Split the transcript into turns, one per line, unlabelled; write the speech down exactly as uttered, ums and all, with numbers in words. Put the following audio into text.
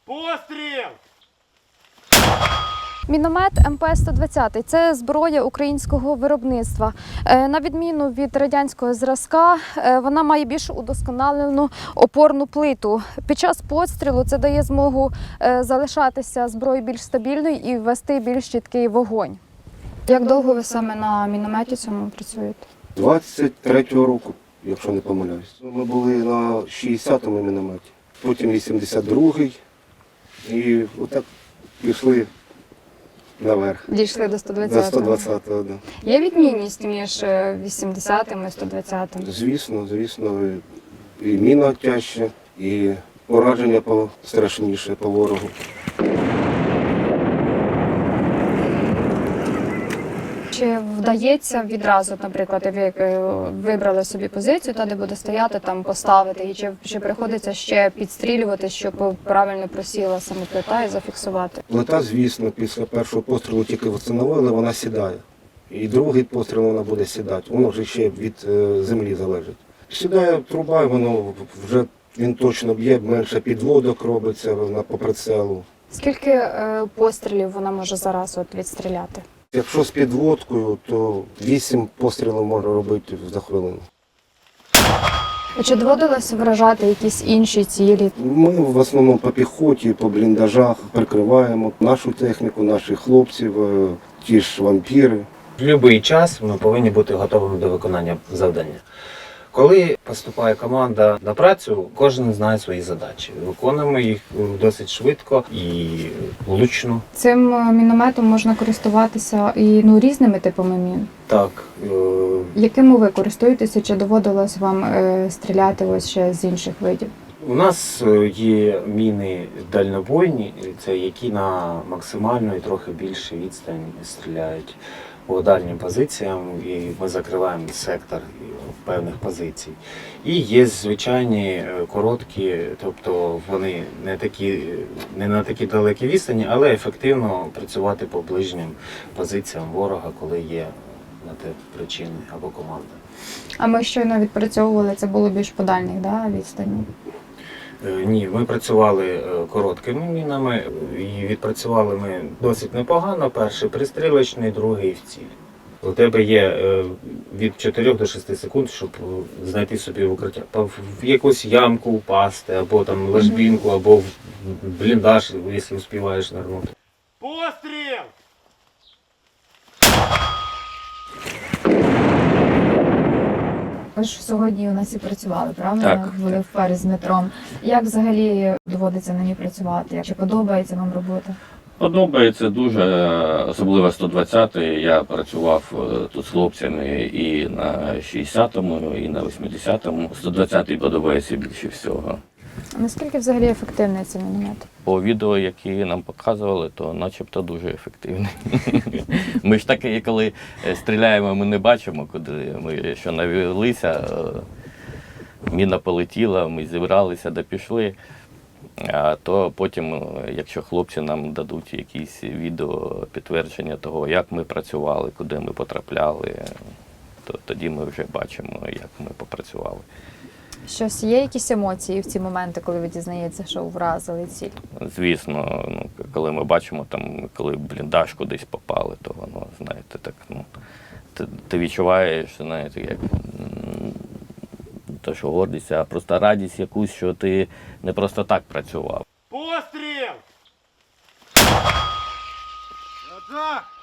Постріл!
Міномет ем пе сто двадцять – це зброя українського виробництва. Е, На відміну від радянського зразка, е, вона має більш удосконалену опорну плиту. Під час пострілу це дає змогу е, залишатися зброєю більш стабільною і вести більш чіткий вогонь. Як довго ви саме на мінометі цьому працюєте?
двадцять третього року, якщо не помиляюсь. Ми були на шістдесятому мінометі, потім вісімдесят другий і отак пішли наверх.
Дійшли до сто
До
двадцятого.
сто двадцятого, да.
Є відмінність між вісімдесятим і сто двадцятим?
Звісно, звісно, і міна тяжче, і ураження страшніше по ворогу.
Чи вдається відразу, наприклад, як ви е, вибрали собі позицію, та де буде стояти, там поставити, і чи, чи приходиться ще підстрілювати, щоб правильно просіла саме плита і зафіксувати?
Плита, звісно, після першого пострілу тільки встановили, вона сідає. І другий постріл вона буде сідати. Воно вже ще від е, землі залежить. Сідає труба, і воно вже він точно б'є, менше підводок робиться вона по прицелу.
Скільки е, пострілів вона може зараз от відстріляти?
Якщо з підводкою, то вісім пострілів можна робити за хвилину.
Чи доводилося вражати якісь інші цілі?
Ми в основному по піхоті, по бліндажах прикриваємо нашу техніку, наших хлопців, е, ті ж вампіри.
В будь-який час ми повинні бути готовими до виконання завдання. Коли поступає команда на працю, кожен знає свої задачі. Виконуємо їх досить швидко і влучно.
Цим е, мінометом можна користуватися і ну, різними типами мін.
Так, е,
Якими ви користуєтеся, чи доводилось вам е, стріляти ось ще з інших видів?
у нас е, є міни дальнобойні, це які на максимальну і трохи більше відстань стріляють по дальнім позиціям, і ми закриваємо сектор певних позицій. І є звичайні е, короткі, тобто вони не такі, не на такі далекі відстані, але ефективно працювати по ближнім позиціям ворога, коли є на те причини або команда.
А ми щойно відпрацьовували, це було більш по дальніх, да, відстані?
Е, Ні, ми працювали е, короткими мінами і відпрацювали ми досить непогано. Перший пристрілочний, другий в ціль. У тебе є е, від чотирьох до шести секунд, щоб е, знайти собі укриття. Та В в якусь ямку упасти, або там ложбінку, або в бліндаж, якщо успіваєш нирнути.
Постріл!
Ви ж сьогодні у нас і працювали, правда?
Так,
Були в парі з Дмитром. Як взагалі доводиться на ній працювати? Чи подобається вам робота?
Подобається дуже, особливо сто двадцятий. Я працював е, тут з хлопцями і на шістдесятому, і на вісімдесятому. сто двадцятий подобається більше всього.
Наскільки взагалі ефективний цей міномет?
По відео, які нам показували, то начебто дуже ефективний. Ми ж таки, коли стріляємо, ми не бачимо, куди ми що навелися. е, Міна полетіла, ми зібралися, де пішли. А то потім, якщо хлопці нам дадуть якісь відео підтвердження того, як ми працювали, куди ми потрапляли, то тоді ми вже бачимо, як ми попрацювали.
Щось є якісь емоції в ці моменти, коли ви дізнаєтеся, що вразили ціль?
Звісно, ну, коли ми бачимо, там, коли в бліндаж кудись попали, то воно, знаєте, так, ну, ти, ти відчуваєш, знаєте, як м, те, що гордість, а просто радість якусь, що ти не просто так працював.
Постріл!